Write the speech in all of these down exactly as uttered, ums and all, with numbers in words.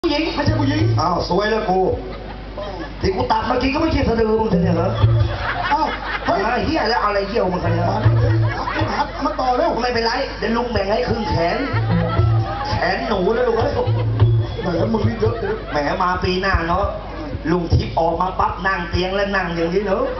ผู้หญิงไม่ใช่ผู้หญิงอ้าวสวยแล้วกูที่กูตัดเมื่อกี้ก็ไม่ใช่สะดือมึงเนี่ยเหรออ้าวเฮ้ยเหี้ยแล้วอะไรเหี้ยวมึงกันเนี่ยมาต่อแล้วไม่เป็นไรเดี๋ยวลุงแบ่งให้ครึ่งแขนแขนหนูนะลุงเอ้ยแหมมึงนี่เยอะเลยแหมมาปีหน้าเนาะลุงทิพย์ออกมาปั๊บนั่งเตียงแล้วนั่งอย่างนี้เนอะ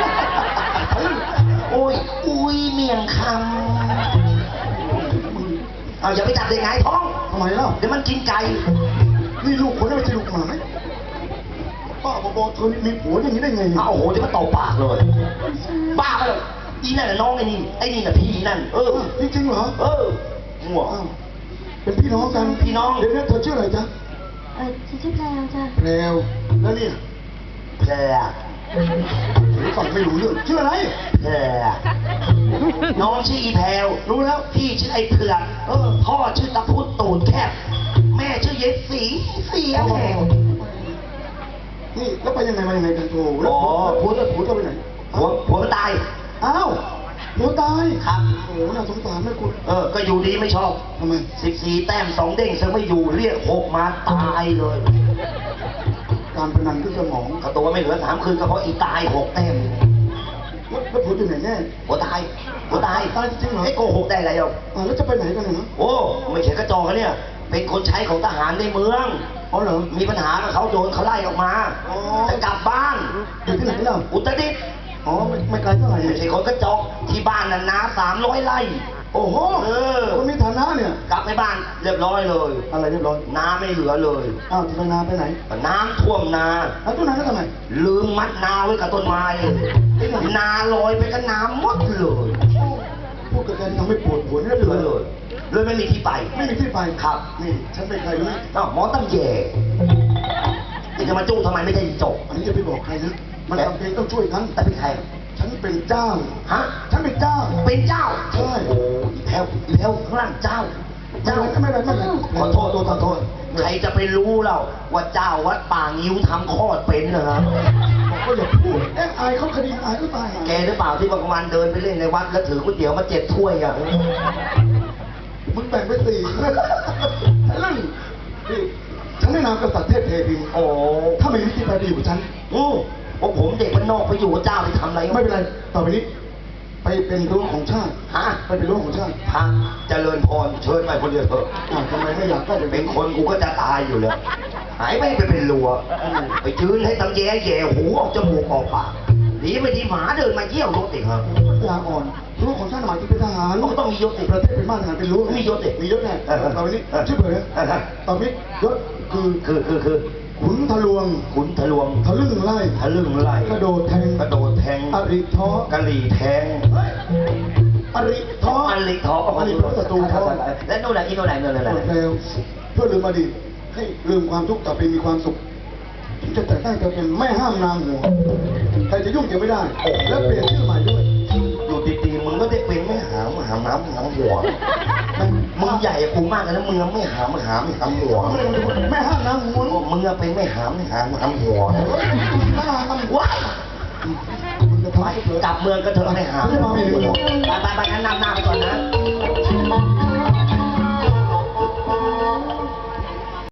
โอ้ยอุ้ยเมียงคำเอาอย่าไปจับเด็กไงท้องทำไมเล่าเดี๋ยวมันกินไก่นี่ลูกคนนั้นไม่ใช่ลูกหมาไหมป้าบอกเธอมีผัวอย่างนี้ได้ไงอ้าวโอ้โหจะมาตบปากเลยบ้าไปเลยอีนั่นน่ะน้องไอ้นี่ไอ้นี่น่ะพี่นั่นเออจริงๆเหรอเออหัวเป็นพี่น้องกันพี่น้องเดี๋ยวนี้เธอชื่ออะไรจ๊ะเออฉันชื่อแพรวจ้ะแพรวแล้วเนี่ยแพรหรือฟังไม่รู้เรื่องชื่ออะไรแพรน้องชื่ออีแพรวรู้แล้วพี่ชื่อไอ้เผือกเออพ่อชื่อตะพุดตูดแคบแม่ชื่อเย็ดสีเสียแหงนี่แล้วไปยังไงมายังไงกันโถแล้วผัวจะผัวจะไปไหนผัวผัวตายอ้าวผัวตายครับโอ้โหน่าสงสารนะคุณเออก็อยู่ดีไม่ชอบทำไมสิบสี่แต้มสองเด้งเธอไม่อยู่เรียกหกมาตายเลยการพนันขึ้นสมองกระตัวไม่เหลือสามคืนก็เพราะอีตายหกแต้มแล้วแล้วผัวอยู่ไหนแน่ผัวตายผัวตายตายจริงเหรอไอ้โกหกได้ไรอ่ะแล้วจะไปไหนกันเนี่ยโอ้ไม่ใช่กระจอกเนี่ยเป็นคนใช้ของทหารในเมืองอ๋อเหรอมีปัญหากับเขาโดนเขาไล่ออกมาจะกลับบ้านอยู่ที่ไหนล่ะอุตรดิตถ์อ๋อไม่ไม่ไกลเท่าไหร่ไม่ใช่คนกระจอกที่บ้านน่ะนาสามร้อยไร่โอ้โหเออคนมีฐานะเนี่ยกลับไปบ้านเรียบร้อยเลยอะไรเรียบร้อยนาไม่เหลือเลยอ้าวทำไมนาไปไหนน้ำท่วมนาแล้วต้นนาแล้วทำไมลืมมัดนาไว้กับต้นไม้นาลอยไปกับน้ำหมดเลยพูดกันยังไม่ปวดหัวนี่เหลือเลยเลยไม่มีที่ไปไม่มีที่ไปครับนี่ฉันเป็นใครรู้อ้าวหมอตั้งแย่นี่จะมาจู้ทำไมไม่ได้จบอันนี้จะไปบอกใครนะมันจำเป็นต้องช่วยกันแต่เป็นใครฉันเป็นเจ้าฮะฉันเป็นเจ้าเป็นเจ้าใช่โอ้อีแถวอีแถวข้างล่างเจ้าเจ้าไม่เป็นไรไม่เป็นไรขอโทษขอโทษใครจะไปรู้เราว่าเจ้าวัดป่างิ้วทำคลอดเป็นเหรอบอกก็อย่าพูดเอ๊ะอายเขาคดีอายก็ตายแกหรือเปล่าที่บางวันเดินไปเล่นในวัดแล้วถือก๋วยเตี๋ยวมาเจ็ดถ้วยอ่ะมึงแบ่งไปสี่เรื่องนี่ฉันได้นามกษัตริย์เทพเทพีโอ้ถ้าไม่มีที่ไปดีกว่าฉันโอ้ว่าผมเด็กบ้านนอกไปอยู่กับเจ้าไปทำอะไรไม่เป็นไรต่อไปนี้ไปเป็นรั้วของชาติฮะไปเป็นรั้วของชาติฮะเจริญพรเชิญไปคนเดียวเถอะทำไมไม่อยากได้เป็นคนกูก็จะตายอยู่แล้วหายไปไปเป็นรั้วไปยืนให้ตำแย่แย่หูออกจมูกออกปากหนีไปที่หมาเดินมาเยี่ยวรถติดครับลาอ่อนรั้วของชาติหมายถึงเป็นทหารก็ต้องมียศติประเทศเป็นบ้านทหารเป็นรั้วมียศติมียศแน่ต่อไปนี้ชื่อเบอร์นะต่อไปนี้ยศคือคือคือคือขุนทะลวงขุนทะลวงทะลึ่งไล่ทะลึ่งไล่กระโดดแทงกระโดดแทงอริท้อกะหรี่แทงอริท้ออริท้ออริท้อศัตรูท้อและโน่นไหนอีโน่นไหนโน่นไหนเร็วเพื่อลืมอดีตให้ลืมความทุกข์ต่อไปมีความสุขจะแต่งตั้งจะเป็นแม่ห้ามนางหัวใครจะยุ่งเกี่ยวไม่ได้และเปลี่ยนชื่อใหม่ด้วยอยู่ตีๆมึงก็ได้เป็นไม่หามหามน้ำหามหัวมึงใหญ่กูมากเลยนะมึงไม่หามหามหามหัวไม่ห้ามน้ำหัวมึงเป็นไม่หามหามหามหัวว้ายกลับเมืองก็เถอะไม่หามไปไปไปงั้นนำหน้าไปก่อนนะ